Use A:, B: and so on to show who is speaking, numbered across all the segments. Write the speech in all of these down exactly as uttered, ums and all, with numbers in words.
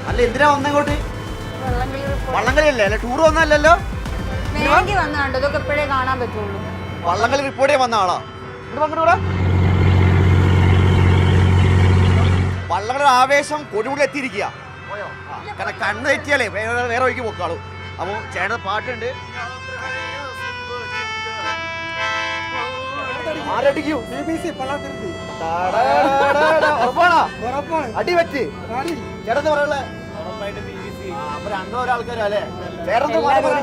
A: അല്ല എന്തിനാ വന്നങ്ങോട്ട്? വള്ളംകളിയല്ലേ അല്ല ടൂർ വന്നല്ലോ.
B: വന്നാണ്ടോ ഇതൊക്കെ എപ്പോഴേ കാണാൻ പറ്റുള്ളൂ.
A: വള്ളംകളി റിപ്പോർട്ട് ചെയ്യാൻ വന്ന ആളാ. ഇവിടെ വള്ളങ്ങളുടെ ആവേശം കൊടിമുടി എത്തിയിരിക്കുക. കാരണം കണ്ണ് തെറ്റിയാലേ വേറെ വേറെ വഴിക്ക് പോക്കാളൂ. അപ്പൊ ചേട്ടൻ പാട്ടുണ്ട്. അടി പറ്റി ചേട്ടൻ പറയല്ലേ? അപ്പൊ രണ്ടോ ഒരാൾക്കാരോ അല്ലേ? വേറെന്തോ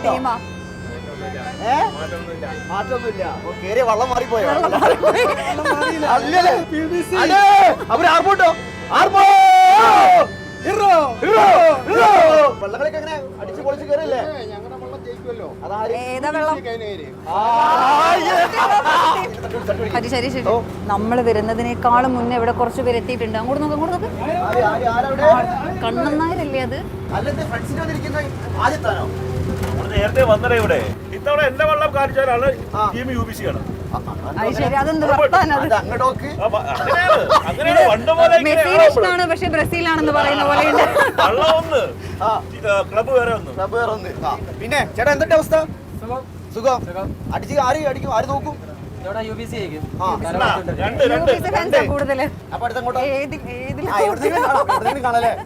A: മാറ്റൊന്നുമില്ല. കേറിയ വള്ളം മാറിപ്പോയോ? അല്ലല്ലേ അവര് ആർപ്പോട്ടോ ആർപ്പോ വെള്ളങ്ങളൊക്കെ എങ്ങനെ അടിച്ചു പൊളിച്ച് കയറില്ലേ?
B: ശരി ശരി ശരി നമ്മള് വരുന്നതിനേക്കാളും മുന്നേ ഇവിടെ കുറച്ച് പേര് എത്തിയിട്ടുണ്ട്. അങ്ങോട്ട് നോക്ക് അങ്ങോട്ട് നോക്ക്. കണ്ണന്നായരല്ലേ അത്?
C: നേരത്തെ വന്നടേ ഇവിടെ. ഇത്തവണ എന്റെ വള്ളം കാണിച്ചാലാണ് ടീം യു ബി സി ആണ്.
B: പക്ഷെ ബ്രസീലാണെന്ന് പറയുന്ന പോലെ
C: ക്ലബ് വേറെ ഒന്ന്
A: ക്ലബ് വേറെ ഒന്ന്. പിന്നെ ചേട്ടാ എന്തൊക്കെ അവസ്ഥ? സുഖം. അടിച്ച് ആര് അടിക്കും? ആര് നോക്കും?
B: കൂടുതല്
A: കാണാല്ലേ?